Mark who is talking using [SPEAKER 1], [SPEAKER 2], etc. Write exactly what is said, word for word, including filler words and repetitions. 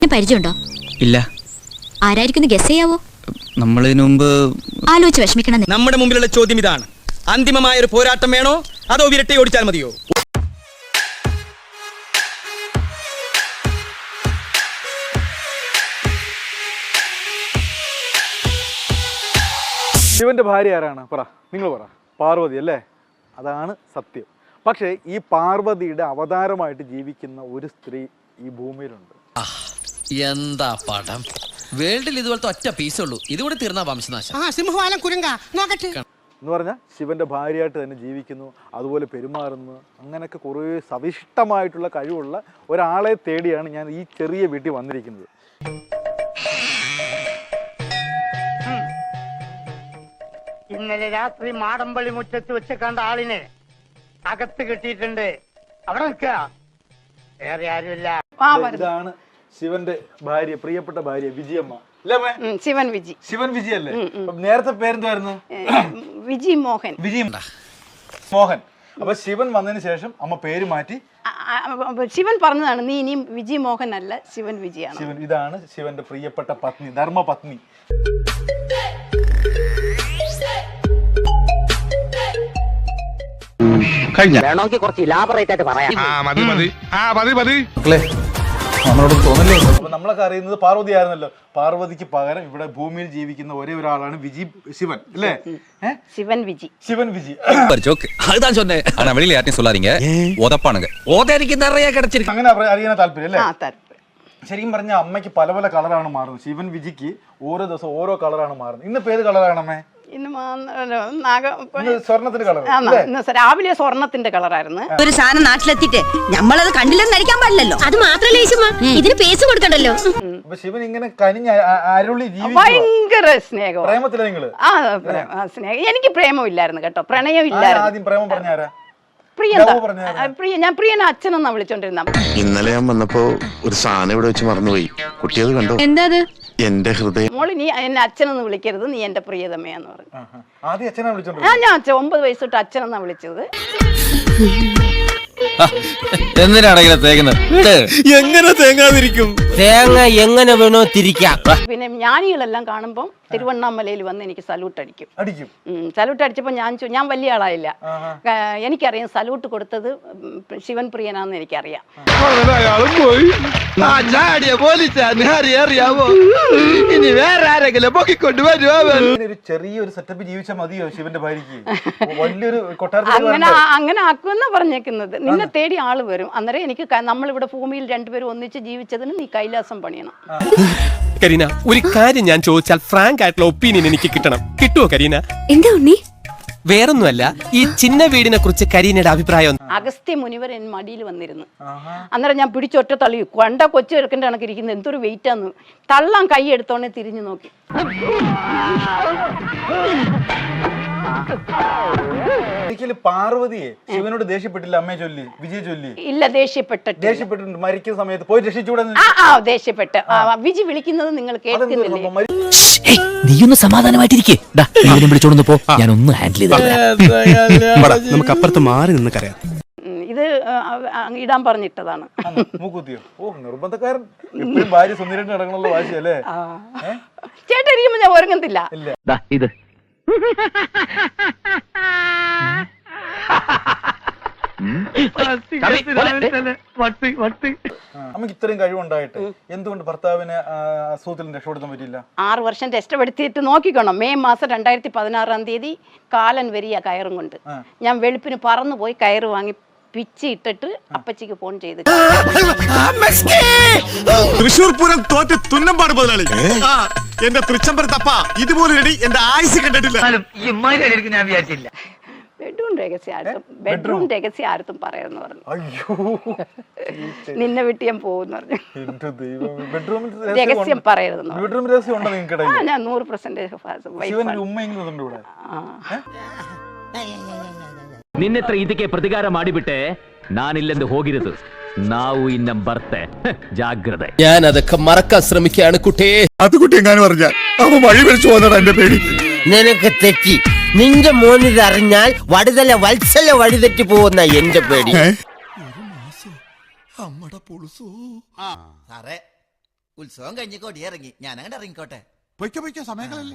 [SPEAKER 1] പരിചയമുണ്ടോ?
[SPEAKER 2] ഇല്ല.
[SPEAKER 1] ആരായിരിക്കും ഗസ് ചെയ്യാവോ?
[SPEAKER 2] നമ്മളിതിനു മുമ്പ്
[SPEAKER 1] ആലോചിച്ച് വിഷമിക്കണം.
[SPEAKER 3] നമ്മുടെ മുമ്പിലുള്ള ചോദ്യം ഇതാണ്: അന്തിമമായ ഒരു പോരാട്ടം വേണോ അതോ വിരട്ടി ഓടിച്ചാൽ മതിയോ?
[SPEAKER 4] ശിവന്റെ ഭാര്യ ആരാണ്? പറ, നിങ്ങൾ പറ. പാർവതി അല്ലേ? അതാണ് സത്യം. പക്ഷേ ഈ പാർവതിയുടെ അവതാരമായിട്ട് ജീവിക്കുന്ന ഒരു സ്ത്രീ ഈ ഭൂമിയിലുണ്ട്.
[SPEAKER 5] എന്താ പടം! വേൾഡിൽ ഇതുപോലത്തെ ഒറ്റ പീസുള്ളൂ. ഇതുകൂടെ തീർന്ന വംശനാശം.
[SPEAKER 4] എന്ന് പറഞ്ഞാൽ ശിവന്റെ ഭാര്യയായിട്ട് തന്നെ ജീവിക്കുന്നു, അതുപോലെ പെരുമാറുന്നു, അങ്ങനെയൊക്കെ കുറേ സവിഷ്ടമായിട്ടുള്ള കഴിവുള്ള ഒരാളെ തേടിയാണ് ഞാൻ ഈ ചെറിയ വീട്ടിൽ വന്നിരിക്കുന്നത്.
[SPEAKER 6] ഇന്നലെ രാത്രി മാടമ്പള്ളി മുറ്റത്ത് വെച്ച് കണ്ട ആളിനെ അകത്ത് കിട്ടിയിട്ടുണ്ട്. അവിടെ നിൽക്കുക, വേറെ ആരുമില്ല.
[SPEAKER 4] ഇതാണ് ശിവന്റെ ഭാര്യ, പ്രിയപ്പെട്ട ഭാര്യ വിജയമ്മ.
[SPEAKER 7] ശിവൻ വിജി.
[SPEAKER 4] ശിവൻ വിജി അല്ലേ? നേരത്തെ പേരെന്തായിരുന്നു?
[SPEAKER 7] വിജി മോഹൻ.
[SPEAKER 4] വിജി മോഹൻ. അപ്പൊ ശിവൻ വന്നതിന് ശേഷം അമ്മ പേര് മാറ്റി
[SPEAKER 7] ശിവൻ പറഞ്ഞതാണ്, നീ ഇനിയും വിജി മോഹൻ അല്ല, ശിവൻ വിജിയാണ്.
[SPEAKER 4] ശിവൻ. ഇതാണ് ശിവന്റെ പ്രിയപ്പെട്ട പത്നി, ധർമ്മ പത്നി.
[SPEAKER 6] വേണമെങ്കിൽ കുറച്ച് ഇലാബറേറ്റ് ആയിട്ട് പറയാം.
[SPEAKER 4] നമ്മളോട് തോന്നല്ലേ? അപ്പൊ നമ്മളൊക്കെ അറിയുന്നത് പാർവതി ആയിരുന്നല്ലോ. പാർവതിക്ക് പകരം ഇവിടെ ഭൂമിയിൽ ജീവിക്കുന്ന ഒരേ ഒരാളാണ് വിജി ശിവൻ അല്ലേ?
[SPEAKER 7] ശിവൻ വിജി.
[SPEAKER 4] ശിവൻ വിജി. അങ്ങനെ അറിയാൻ താല്പര്യം അല്ലേ? ശരിക്കും പറഞ്ഞ അമ്മയ്ക്ക് പല പല കളറാണ് മാറുന്നത്. ശിവൻ വിജിക്ക് ഓരോ ദിവസം ഓരോ കളറാണ് മാറുന്നത്. ഇന്ന് പേര് കളറാണ് അമ്മേ? സ്വർണത്തിന്റെ കളർ.
[SPEAKER 7] രാവിലെ സ്വർണത്തിന്റെ കളറായിരുന്നു.
[SPEAKER 1] ഒരു സാധനം നാട്ടിലെത്തിട്ട് നമ്മളത് കണ്ടില്ലെന്ന് നടിക്കാൻ പാടില്ലല്ലോ. അത് മാത്രമല്ല ഇതിന് പേസ് കൊടുക്കണ്ടല്ലോ.
[SPEAKER 4] ശിവൻ ഇങ്ങനെ കനിഞ്ഞ അരുളി
[SPEAKER 7] ഭയങ്കര സ്നേഹം.
[SPEAKER 4] പ്രേമത്തില നിങ്ങള്? ആ
[SPEAKER 7] സ്നേഹം. എനിക്ക് പ്രേമം ഇല്ലായിരുന്നു കേട്ടോ, പ്രണയം ഇല്ലായിരുന്നു.
[SPEAKER 4] ആദ്യം പ്രേമം പറഞ്ഞാരാ?
[SPEAKER 7] പ്രിയ. ഞാൻ പ്രിയനെ അച്ഛനെന്നാ വിളിച്ചോണ്ടിരുന്ന.
[SPEAKER 8] ഇന്നലെ ഞാൻ വന്നപ്പോ ഒരു സാധനം ഇവിടെ വെച്ച് മറന്നുപോയി. കുട്ടിയത് കണ്ടോ?
[SPEAKER 1] എന്താ?
[SPEAKER 8] എന്റെ ഹൃദയം.
[SPEAKER 7] മോളി, നീ എന്നെ അച്ഛനെന്ന് വിളിക്കരുത്, നീ എന്റെ പ്രിയതമയാന്ന് പറഞ്ഞു.
[SPEAKER 4] ആദ്യം അച്ഛനാ വിളിച്ചോണ്ട്?
[SPEAKER 7] ഞാൻ അച്ഛൻ ഒമ്പത് വയസ്സ് തൊട്ട് അച്ഛനെന്നാ വിളിച്ചത്.
[SPEAKER 3] എങ്ങനെ തേങ്ങാതിരിക്കും?
[SPEAKER 5] തേങ്ങ എങ്ങനെ വേണോ തിരിക്കാം.
[SPEAKER 7] പിന്നെ ജ്ഞാനികളെല്ലാം കാണുമ്പോൾ തിരുവണ്ണാമലയിൽ വന്ന് എനിക്ക് സല്യൂട്ട് അടിക്കും.
[SPEAKER 4] അടിക്കും.
[SPEAKER 7] സല്യൂട്ട് അടിച്ചപ്പോൾ ഞാൻ ഞാൻ വലിയ ആളായില്ല. എനിക്കറിയാം സല്യൂട്ട് കൊടുത്തത് ശിവൻ പ്രിയനാന്ന് എനിക്കറിയാം.
[SPEAKER 3] ഇനി വേറെ ആരെങ്കിലും പൊക്കിക്കൊണ്ട് വരുമോ?
[SPEAKER 4] ഒരു ചെറിയൊരു സെറ്റപ്പ് ജീവിച്ചാൽ മതിയോ ശിവന്റെ ഭാര്യക്ക്? വലിയൊരു
[SPEAKER 7] അങ്ങനെ അങ്ങനെ ആക്കുമെന്നാ പറഞ്ഞേക്കുന്നത്. നിന്നെ തേടി ആള് വരും. അന്നേരം എനിക്ക് നമ്മളിവിടെ ഭൂമിയിൽ രണ്ടുപേരും ഒന്നിച്ച് ജീവിച്ചതിന് നീ കൈലാസം പണിയണം.
[SPEAKER 9] കരീന, ഒരു കാര്യം ഞാൻ ചോദിച്ചാൽ ഫ്രാങ്ക് ആയിട്ടുള്ള ഒപ്പീനിയൻ എനിക്ക് കിട്ടണം. കിട്ടുമോ കരീന?
[SPEAKER 1] എന്താ ഉണ്ണി?
[SPEAKER 9] വേറൊന്നുമല്ല, ഈ ചിന്ന വീടിനെ കുറിച്ച് കരീനയുടെ അഭിപ്രായം.
[SPEAKER 7] അഗസ്ത്യ മുനിവർ എൻ മടിയിൽ വന്നിരുന്നു. അന്നേരം ഞാൻ പിടിച്ചൊറ്റ തള്ളി. കൊണ്ട കൊച്ചു ചെറുക്കൻ്റെ കണക്ക് ഇരിക്കുന്നത്, എന്തൊരു വെയിറ്റാന്ന്. തള്ളാൻ കൈ എടുത്തോണ്ടേ തിരിഞ്ഞു നോക്കി.
[SPEAKER 4] പാർവതിയെ ശിവനോട് ദേഷ്യപ്പെട്ടില്ല അമ്മയെ ചൊല്ലി, വിജയ ചൊല്ലി?
[SPEAKER 7] ഇല്ല, ദേഷ്യപ്പെട്ടിട്ട്.
[SPEAKER 4] ദേഷ്യപ്പെട്ടിട്ടുണ്ട്. മരിക്കുന്ന സമയത്ത് പോയി രക്ഷിച്ചൂടെ?
[SPEAKER 7] ആ ദേഷ്യപ്പെട്ട്. വിജി വിളിക്കുന്നത് നിങ്ങൾ കേൾക്കുന്നില്ലേ?
[SPEAKER 5] നീയൊന്ന് സമാധാനമായിട്ടിരിക്കേ. വിളിച്ചോണ്ട് പോ, ഞാൻ ഒന്ന് ഹാൻഡിൽ ചെയ്ത്
[SPEAKER 9] നമുക്ക് അപ്പുറത്ത് മാറി നിന്ന് കരയാം.
[SPEAKER 7] ഇത് ഇടാൻ പറഞ്ഞിട്ടതാണ്.
[SPEAKER 4] മൂക്കുത്തിയോ? ഓ, നിർബന്ധക്കാരൻ. എപ്പോഴും ഭാര്യ സുന്ദരിയായിട്ട് നടക്കണല്ലോ വാശിയല്ലേ?
[SPEAKER 7] ചേട്ടൻ ഇരിക്കുമ്പോ ഞാൻ ഒരുങ്ങത്തില്ല.
[SPEAKER 5] ഇത്
[SPEAKER 4] നമുക്ക് ഇത്രയും കഴിവുണ്ടായിട്ട് എന്തുകൊണ്ട് ഭർത്താവിനെ അസുഖത്തിൽ രക്ഷപ്പെടുത്താൻ പറ്റില്ല?
[SPEAKER 7] ആറ് വർഷം രക്ഷപ്പെടുത്തിയിട്ട് നോക്കിക്കോണം. മെയ് മാസം രണ്ടായിരത്തി പതിനാറാം തീയതി കാലൻ വരിക കയറും കൊണ്ട്. ഞാൻ വെളുപ്പിന് പറന്നു പോയി കയറ് വാങ്ങി പിച്ചി ഇട്ടിട്ട് അപ്പച്ചിക്ക് ഫോൺ ചെയ്ത്.
[SPEAKER 3] തൃശ്ശൂർ പൂരം തോറ്റ് തുന്നമ്പാട് മുതലാളി. എന്റെ തൃച്ചംബരത്തപ്പ ഇതുപോലെ എന്റെ ആയുസ് കണ്ടിട്ടില്ല.
[SPEAKER 6] ഞാൻ വിചാരിച്ചില്ല.
[SPEAKER 7] ബെഡ്റൂം രഹസ്യാർത്ഥം ബെഡ്റൂം രഹസ്യാർത്ഥം പറയാന്ന് പറഞ്ഞു.
[SPEAKER 4] അയ്യോ,
[SPEAKER 7] നിന്നെ വിട്ട് ഞാൻ പോകുന്നു പറഞ്ഞു.
[SPEAKER 4] ബെഡ്റൂമിൽ
[SPEAKER 7] രഹസ്യം പറയരുതെന്ന്.
[SPEAKER 4] ബെഡ്റൂം രഹസ്യം ഉണ്ടോ നിങ്ങൾക്ക്?
[SPEAKER 7] ഞാൻ നൂറ് പെർസെന്റേജ്.
[SPEAKER 10] ನಿನ್ನೆತ್ರ ಇದಕ್ಕೆ ಪ್ರತಿಕಾರ ಮಾಡಿಬಿಟ್ಟೆ, ನಾನಿಲ್ಲೆಂದು ಹೋಗಿರದು. ನಾವು ಇನ್ನ ಬರ್ತೆ, ജാഗ്രത.
[SPEAKER 5] ഞാൻ അതൊക്കെ മറക്കാൻ ശ്രമിക്കുകയാണ് കുട്ടേ.
[SPEAKER 3] അത് കുട്ടി എങ്ങാനും പറഞ്ഞാൽ അവ വഴി വിളിച്ചു പോകുന്നതാണ് എന്റെ പേടി.
[SPEAKER 5] നിനക്ക് തെറ്റി. നിന്റെ മോനിത് അറിഞ്ഞാൽ വടുതല വത്സല വഴിതെറ്റി പോകുന്ന എന്റെ പേടി.
[SPEAKER 3] അമ്മടെ പൊളുസോ.
[SPEAKER 2] ഉത്സവം കഴിഞ്ഞ് കൊടിയിറങ്ങി ഞാൻ അങ്ങോട്ട് ഇറങ്ങിക്കോട്ടെ
[SPEAKER 3] പൊയ്ക്കോ പൊയ്ക്കോ സമയങ്ങളല്ലേ